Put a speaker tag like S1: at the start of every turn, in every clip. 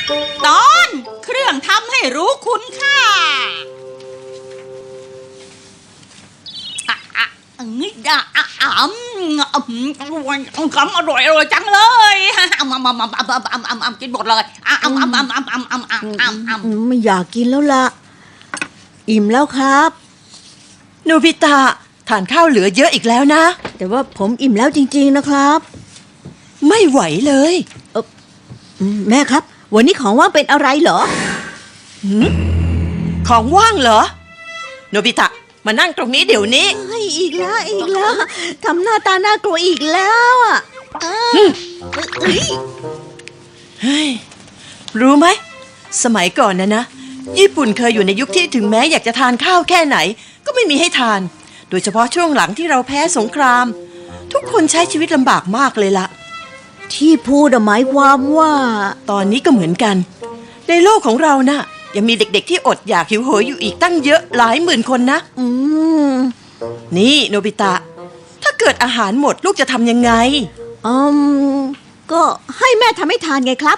S1: ตอนเครื่องทำให้รู้คุณค่านี่คำอร่อยจังเลยกินหมดเลย
S2: ไม่อยากกินแล้วล่ะอิ่มแล้วครับ
S3: โนบิตะทานข้าวเหลือเยอะอีกแล้วนะ
S2: แต่ว่าผมอิ่มแล้วจริงๆนะครับ
S3: ไม่ไหวเลย
S2: แม่ครับวันนี้ของว่างเป็นอะไรเหรอ
S3: ของว่างเหรอโนบิตะมานั่งตรงนี้เดี๋ยวนี้
S2: อีกแล้วทำหน้าตาน่ากลัวอีกแล้วอ่ะ
S3: เฮ้ยรู้ไหมสมัยก่อนนะญี่ปุ่นเคยอยู่ในยุคที่ถึงแม้อยากจะทานข้าวแค่ไหนก็ไม่มีให้ทานโดยเฉพาะช่วงหลังที่เราแพ้สงครามทุกคนใช้ชีวิตลำบากมากเลยล่ะ
S2: ที่พูดหมายความว่า
S3: ตอนนี้ก็เหมือนกันในโลกของเราน่ะยังมีเด็กๆที่อดอยากหิวโหยอยู่อีกตั้งเยอะหลายหมื่นคนนะนี่โนบิตะถ้าเกิดอาหารหมดลูกจะทำยังไง
S2: ก็ให้แม่ทำให้ทานไงครับ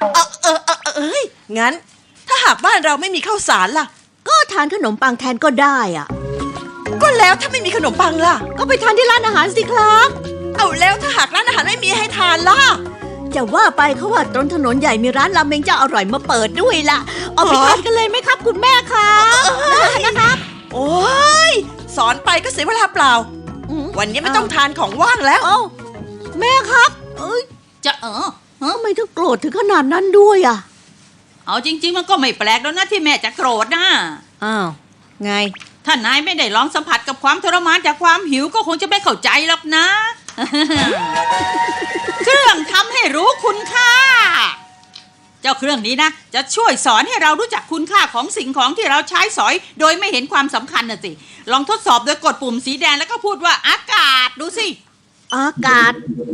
S3: งั้นถ้าหากบ้านเราไม่มีข้าวสารล่ะ
S2: ก็ทานขนมปังแทนก็ได้อ่ะ
S3: ก็แล้วถ้าไม่มีขนมปังล่ะ
S2: ก็ไปทานที่ร้านอาหารสิครับ
S3: เอาแล้วถ้าหากร้านอาหารไม่มีให้ทานล่ะ
S2: จะว่าไปเขาว่าตรงถนนใหญ่มีร้านราเมงเจ้าอร่อยมาเปิดด้วยล่ะเอาไปทานกันเลยไหมครับคุณแม่ครับนะครับ
S3: โอ้ยสอนไปก็เสียเวลาเปล่าวันนี้ไม่ต้องทานของว่างแล้ว
S2: แม่ครับ
S1: จะ
S2: ทำไมถึงโกรธถึงขนาดนั้นด้วยอ่ะ
S1: เอาจริงๆมันก็ไม่แปลกแล้วนะที่แม่จะโกรธนะ
S2: ไง
S1: ถ้านายไม่ได้ลองสัมผัสกับความทรมานจากความหิวก็คงจะไม่เข้าใจหรอกนะ เครื่องทำให้รู้คุณค่าเจ้าเครื่องนี้นะจะช่วยสอนให้เรารู้จักคุณค่าของสิ่งของที่เราใช้สอยโดยไม่เห็นความสำคัญน่ะสิลองทดสอบโดยกดปุ่มสีแดงแล้วก็พูดว่าอากาศดูสิ
S2: อากาศ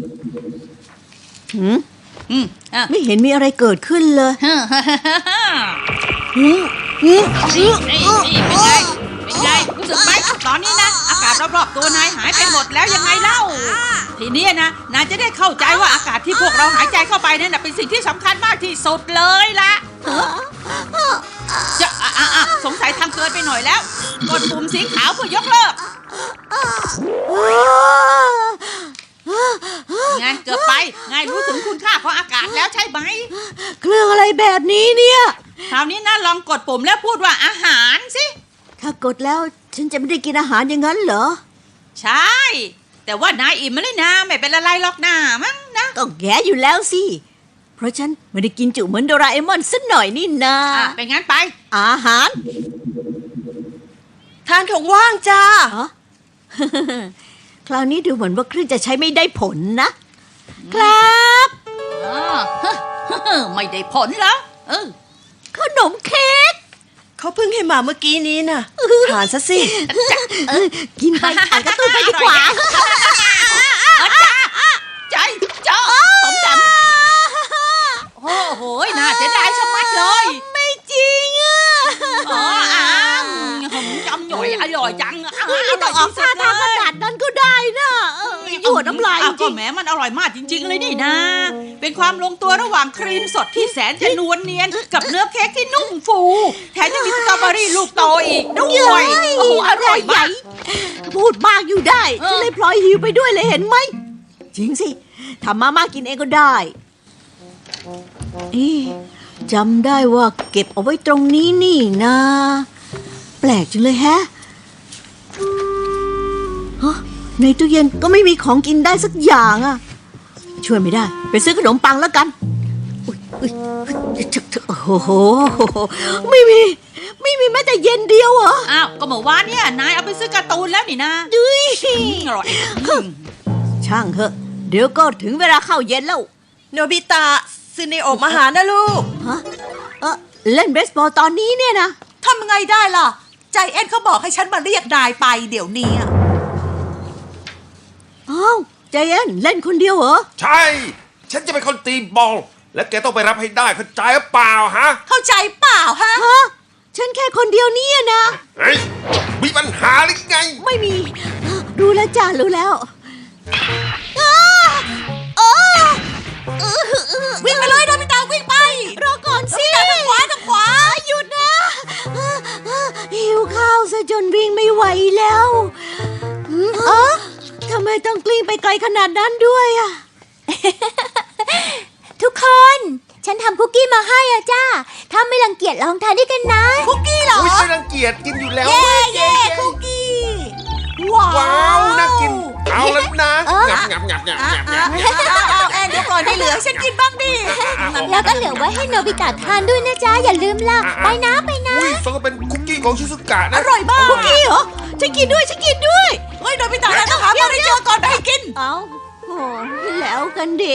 S2: ไม่เห็นมีอะไรเกิดขึ้นเลย
S1: เป็นไงรู้สึกไหมตอนนี้นะอากาศรอบๆตัวนายหายไปหมดแล้วยังไงเล่าทีนี้นะนายจะได้เข้าใจว่าอากาศที่พวกเราหายใจเข้าไปนั่นเป็นสิ่งที่สำคัญมากที่สุดเลยล่ะจะสงสัยทำเกินไปหน่อยแล้วกดปุ่มสีขาวเพื่อยกเลิกไงเกือบไปไงรู้ถึงคุณค่าของอากาศแล้วใช่ไหม
S2: เครื่องอะไรแบบนี้เนี่ย
S1: คราวนี้นะลองกดปุ่มแล้วพูดว่าอาหารสิ
S2: ถ้ากดแล้วฉันจะไม่ได้กินอาหารอย่างนั้นเหรอ
S1: ใช่แต่ว่านายอิ่มมาเลยนะไม่เป็นอะไรหรอกนะมั้งนะ
S2: ก็แย่อยู่แล้วสิเพราะฉันไม่ได้กินจุเหมือนโดราเอมอนสักหน่อยนี่นะ
S1: เป็นงั้นไป
S2: อาหาร
S3: ทานของว่างจ้า
S2: คราวนี้ดูเหมือนว่าเครื่องจะใช้ไม่ได้ผลนะครับ
S1: ไม่ได้ผลแล้ว
S2: ขนมเค้ก
S3: เขาเพิ่งให้มาเมื่อกี้นี้น่ะทานซะสิ
S2: กินไปอ่านการ์ตูนไปดีกว่า
S1: ใจจ้าสมจำโอ้โหน่าเสียดายชะมัดเลย
S2: ไม่จริง
S1: จำหน่อยอร่อยจัง
S2: ไม่ต้องออกท่าทางขนาดนั้นก็ได้นะหยวดน้ำลาย
S1: ก็แหมมันอร่อยมากจริงๆเลยนี่นะเป็นความลงตัวระหว่างครีมสดที่แสนจะนวลเนียนกับเนื้อเค้กที่นุ่มฟูแถมยังมีสตรอเบอรี่ลูกโตอีกด้วยโอ้โหอร่อยมาก
S2: พูดมากอยู่ได้ฉันเลยพลอยหิวไปด้วยเลยเห็นไหมจริงสิทำมาม่ากินเองก็ได้จำได้ว่าเก็บเอาไว้ตรงนี้นี่นะแปลกจังเลยแฮะในตู้เย็นก็ไม่มีของกินได้สักอย่างอ่ะช่วยไม่ได้ไปซื้อขนมปังแล้วกันโอ้โหไม่มีแม้แต่เย็นเดียวเหรอ
S1: อ้าวก็เมื่อวานเนี่ยนายเอาไปซื้อการ์ตูนแล้วนี่นะอร่อย
S2: ช่างเถอะเดี๋ยวก็ถึงเวลาเข้าเย็นแล้ว
S3: โนบิตะซื้อในอบอาหารนะลูก
S2: เล่นเบสบอลตอนนี้เนี่ยนะ
S3: ทำไงได้ล่ะใจเอ็นเขาบอกให้ฉันมาเรียกนายไปเดี๋ยวนี้
S2: อ้าวใจเอ็นเล่นคนเดียวเหรอ
S4: ใช่ฉันจะเป็นคนตีบอลและแกต้องไปรับให้ได้เข้าใจหรือเปล่าฮะ
S3: เข้าใจเปล่าฮะ
S2: ฉันแค่คนเดียวนี่นะ
S4: เฮ้ยมีปัญหาหรือไง
S2: ไม่มีรู้แล้วจ้ารู้แล้ววิ่งไปเลยโดมิตาวิ่งไปรอก่อนสิวิ่งไปไกลขนาดนั้นด้วยอะ
S5: ทุกคน ฉันทำคุกกี้มาให้อะจ้า ถ้าไม่รังเกียจลองทานด้วยกันนะ
S2: คุกกี้เหรอ
S4: อุ้ยไม่รังเกียจกินอยู่แล้ว
S2: เย้คุกกี้ว้าว
S4: ว้าวน่ากินเอาแล้วนะ
S5: เออ
S4: งับงับงับงับงับงับ
S2: เอาแอนเดี๋ยวก่อนให้เหลือฉันกินบ้างดิ
S5: แล้วก็เหลือไว้ให้โนบิตะทานด้วยนะจ๊ะ อย่าลืมล่ะ ไปนะไปนะ
S4: อุ้ยสงก็เป็นคุกกี้ของชิซุกะนะ
S2: อร่อยมากคุกกี้เหรอฉันกินด้วยฉันกินด้วยเฮ้ยโดนไปต่างแล้วต้องหามาได้เจอก่อนไปให้กินเอาโอ้แล้วกันดิ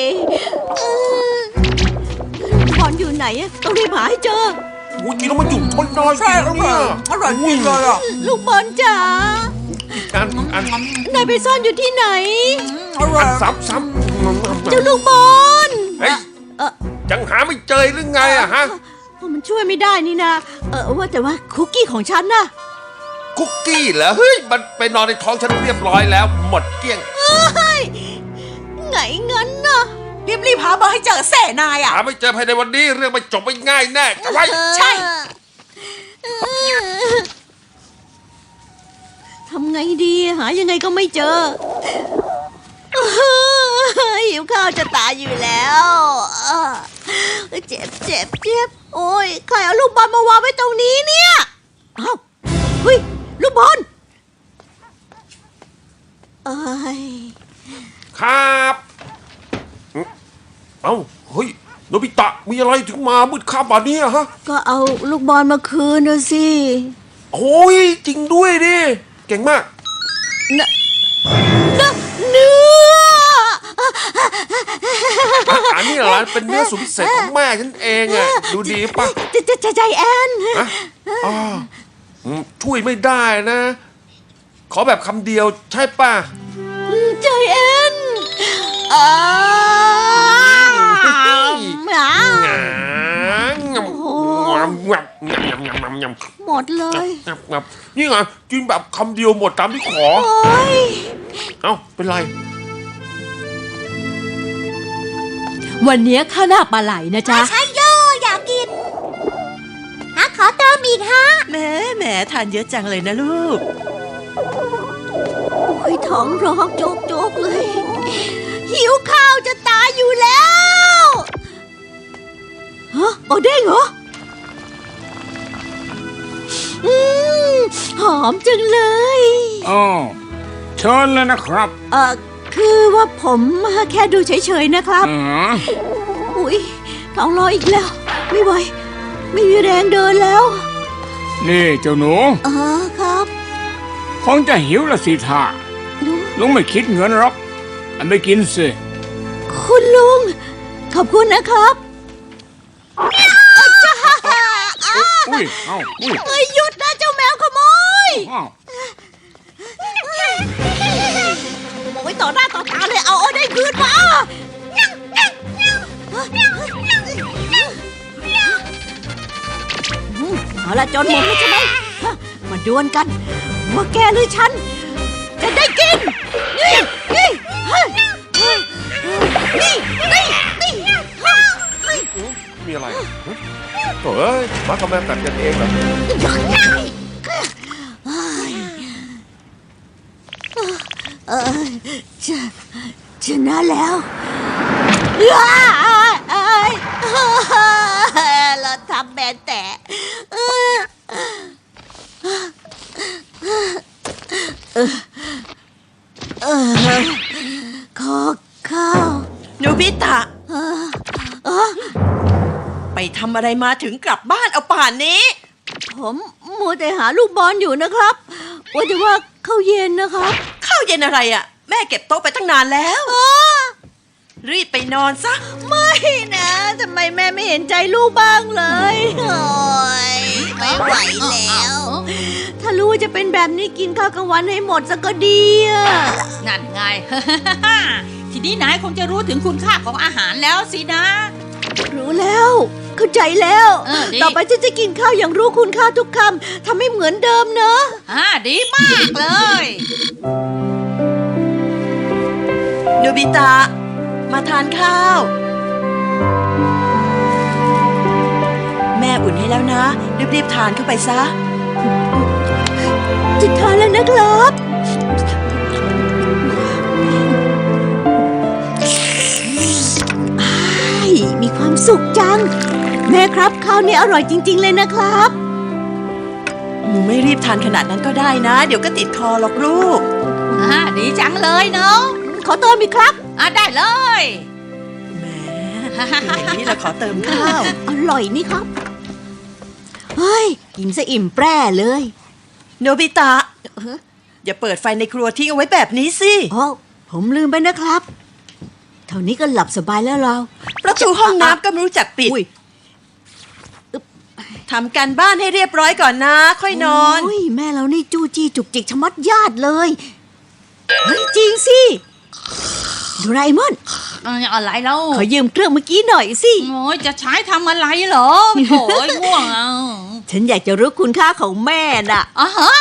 S2: บอลอยู่ไหนอะต้องรีบหาให้เจอ
S4: อุ้ยกินแล้วมันจุ่มทนน้อยกินแล้วเนี่ย
S1: อร่อยจริงเลยอ่ะ
S2: ลูกบอลจ๋า
S4: อัน
S2: นายไปซ่อนอยู่ที่ไหน
S1: อร่อย
S4: ซ้ำ
S2: เจ้าลูกบอล
S4: เฮ้ย
S2: เออ
S4: ยังหาไม่เจอหรือไงอะฮะ
S2: มันช่วยไม่ได้นี่นะว่าแต่ว่าคุกกี้ของฉันน่ะ
S4: คุกกี้เหรอเฮ้ยมันไปนอนในท้องฉันเรียบร้อยแล้ว หมดเกลี้ยง
S2: เฮ้ยไงงั้นน่ะ
S1: รีบหามาให้เจอแส่นายอ่ะ
S4: หาไม่เจอภายในวันนี้เรื่องมันจบไม่ง่ายแน่จะไว้
S1: ใช่
S2: ทำไงดีหายังไงก็ไม่เจอหิวข้าวจะตายอยู่แล้วเจ็บเจ็บเจ็บโอ้ยใครเอาลูกบอลมาวางไว้ตรงนี้เนี่ยเอ้าเฮ้ยลูกบอลเอ้ย
S4: ครับเอ้าเฮ้ยโนบิตะมีอะไรถึงมามืดค่ำป่านนี้อะฮะ
S2: ก็เอาลูกบอลมาคืนนะสิ
S4: โอ้ยจริงด้วยดิเก่งมาก
S2: เนื้อ
S4: อันนี้เหรอเป็นเนื้อสุดพิเศษของแม่ฉันเองอะดูดีป่ะ
S2: ใจแอน
S4: ฮะอ๋อช่วยไม่ได้นะ ขอแบบคำเดียวใช่ป่ะ
S2: ใจแอนหมา หมดเลย
S4: นี่ไงกินแบบคำเดียวหมดตามที่ขอ
S2: โอ้ย
S4: เอ้าเป็นไร
S2: วันนี้ข้าวหน้าปลาไหลนะจ๊ะ
S5: ใช่โยอยากกินฮะขอเติมอีกฮะ
S3: แหมทานเยอะจังเลยนะลูก
S2: โอ้ยท้องร้องโจกเลย หิวข้าวจะตายอยู่แล้วฮะโอเด้งเหรอหอมจังเลย
S6: อ๋อเชิญเลยนะครับ
S2: คือว่าผมแค่ดูเฉยๆนะครับ
S6: อืม
S2: อุ้ยท้องร้องอีกแล้ว ไม่ไหว ไม่มีแรงเดินแล้ว
S6: นี่เจ้าหนู
S2: ครับ
S6: คงจะหิวละสิท่า
S2: ดู
S6: ลุงไม่คิดเงินหรอกอันไปกินสิ
S2: คุณลุง ขอบคุณนะครับ
S6: อุ้ยเอ้าอุ้ย
S2: เอ้ยหยุดนะเจ้าแมวขโมย
S6: อ้าว
S2: โอ้ยต่อหน้าต่อตาเลยเอาได้คืนมาเอาละจนหมดแล้วใช่ไหมฮะมาดวลกัน ว่าแกหรือฉัน จะได้กิน นี่นี่เฮ้ยนี่นี่นี่
S4: มีอะไรโถ่เอ้ยมากับแม่กัดกันเองเหรอ
S2: ชนะแล้วเราทำแบนแต่ขอข้าว
S3: โนบิตะ ไปทำอะไรมาถึงกลับบ้านเอาป่านนี้
S2: ผมมัวแต่หาลูกบอลอยู่นะครับ ว่าแต่ว่าข้าวเย็นนะครับ
S3: ข้าวเย็นอะไรอ่ะ แม่เก็บโต๊ะไปตั้งนานแล้ว รีบไปนอนซะ
S2: ไม่นะทำไมแม่ไม่เห็นใจลูกบ้างเลยโอ้ยไม่ไหวแล้ว ถ้ารู้ว่าจะเป็นแบบนี้กินข้าวกลางวันให้หมดซะก็ดีอะ
S1: นั่นไง ทีนี้นายคงจะรู้ถึงคุณค่าของอาหารแล้วสินะ
S2: รู้แล้ว เข้าใจแล้ว
S1: ดี
S2: ต่อไปฉันจะกินข้าวอย่างรู้คุณค่าทุกคำทำให้เหมือนเดิมเนอะ
S1: ดีมากเลย
S3: โนบิตะ มาทานข้าว แม่อุ่นให้แล้วนะ รีบๆทานเข้าไปซะ
S2: จะทานแล้วนะครับสุกจัง แม่ครับข้าวนี่อร่อยจริง ๆ เลยนะครับ
S3: ไม่รีบทานขนาดนั้นก็ได้นะ เดี๋ยวก็ติดคอหรอกลูก
S1: ดีจังเลยเนาะ
S2: ขอเติมอีกครับ
S1: ได้เลย
S3: แหมอย่างนี้เราขอเติมข้าว
S2: อร่อยนี่ครับ เฮ้ย กินซะอิ่มแปร่เลย
S3: โนบิตะ อย่าเปิดไฟในครัวทิ้งเอาไว้แบบนี้สิ
S2: อ๋อผมลืมไปนะครับ เท่านี้ก็หลับสบายแล้วเรา
S3: ประตูห้องน้ำก็ไม่รู้จักปิด
S2: อุ้ย
S3: ทำการบ้านให้เรียบร้อยก่อนนะ ค่อยนอน
S2: โยแม่เรานี่จู้จี้จุกจิกชะมัดญาติเลยเฮ้ยจริงสิโดราเอมอน
S1: อะไรเล่า
S2: ขอยืมเครื่องเมื่อกี้หน่อยสิ
S1: โอ้ยจะใช้ทำอะไรเหรอโถ่ง่วงอ่ะ
S2: ฉันอยากจะรู้คุณค่าของแม่น่ะ
S1: ฮะ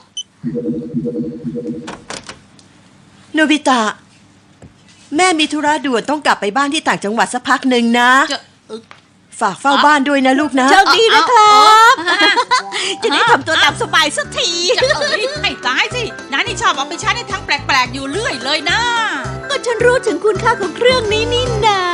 S3: โนบิตะ แม่มีธุระด่วนต้องกลับไปบ้านที่ต่างจังหวัดสักพักหนึ่งนะ
S1: จะ
S3: ฝากเฝ้าบ้านด้วยนะลูกนะ
S2: โชคดีนะครับ จะได้ทำตัวตามสบายสักที
S1: จะให้ตายสิน้านี่ชอบเอาไปใช้ในทางแปลกๆอยู่เรื่อยเลยนะ
S2: ก็ฉันรู้ถึงคุณค่าของเครื่องนี้นี่นา